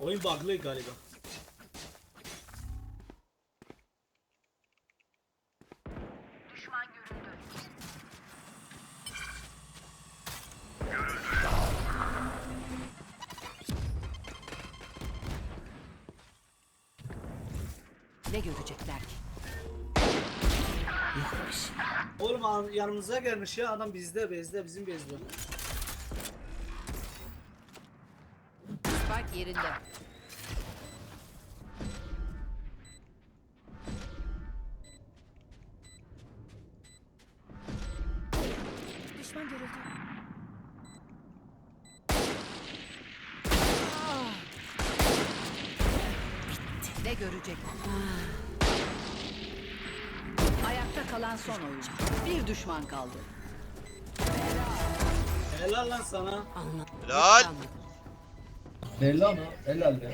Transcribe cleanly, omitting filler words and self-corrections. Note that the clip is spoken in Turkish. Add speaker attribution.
Speaker 1: Oyun bug'lı galiba.
Speaker 2: Ne görecekler ki?
Speaker 1: Oğlum yanımıza gelmiş ya adam bizde bizim bezde.
Speaker 2: Spike yerinde. Düşman görüldü. Ne görecek? Ayakta kalan son oyuncu. Bir düşman kaldı.
Speaker 1: Helal lan sana.
Speaker 3: Helal.
Speaker 4: Belli ama helal be.